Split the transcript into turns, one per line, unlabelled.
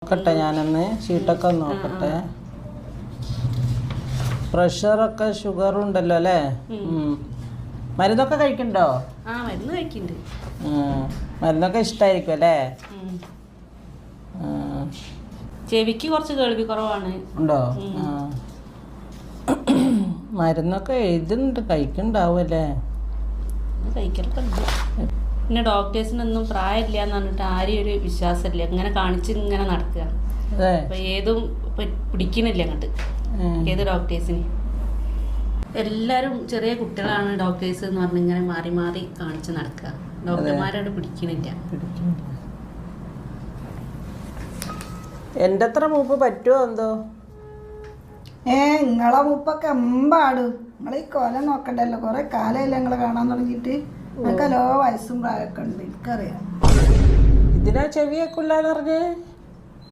നോക്കട്ടെ ഞാനൊന്ന് ഷീട്ടൊക്കെ ഒന്ന് നോക്കട്ടെ. പ്രഷറൊക്കെ ഷുഗറും ഉണ്ടല്ലോ അല്ലേ? മരുന്നൊക്കെ കഴിക്കണ്ടോ?
മരുന്ന് കഴിക്കുന്നുണ്ട്.
മരുന്നൊക്കെ ഇഷ്ടമായിരിക്കും അല്ലേ?
ചെവിക്ക് കുറച്ച് കേൾവി കുറവാണ്.
ഉണ്ടോ? മരുന്നൊക്കെ എഴുതുന്നുണ്ട്, കഴിക്കണ്ടാവും അല്ലേ?
കഴിക്കലൊക്കെ ഉണ്ട്. പിന്നെ ഡോക്ടേഴ്സിനൊന്നും പ്രായമില്ല എന്ന് പറഞ്ഞിട്ട് ആരെയും ഒരു വിശ്വാസമില്ല. ഇങ്ങനെ കാണിച്ച് ഇങ്ങനെ നടക്കുക. അപ്പൊ ഏതും പിടിക്കണില്ല അങ്ങോട്ട്. ഏത് ഡോക്ടേഴ്സിന് എല്ലാരും ചെറിയ കുട്ടികളാണ് ഡോക്ടേഴ്സ് എന്ന് പറഞ്ഞ് ഇങ്ങനെ മാറി മാറി കാണിച്ച് നടക്കുക. ഡോക്ടർമാരോട് പിടിക്കണില്ല.
എൻ്റെ അത്ര മൂപ്പ് പറ്റുമോ എന്തോ?
നിങ്ങളെ മൂപ്പൊക്കെ എമ്പാട്. നിങ്ങൾ ഈ കൊല നോക്കണ്ടല്ലോ, കുറെ കാലമല്ലേ നിങ്ങളെ കാണാൻ തുടങ്ങിയിട്ട്. നിങ്ങൾക്കല്ലോ വയസ്സും പ്രായമൊക്കെ ഉണ്ട്, എനിക്കറിയാം.
ഇതിനാ ചെവിയൊക്കെ ഇല്ലാന്ന് പറഞ്ഞേ?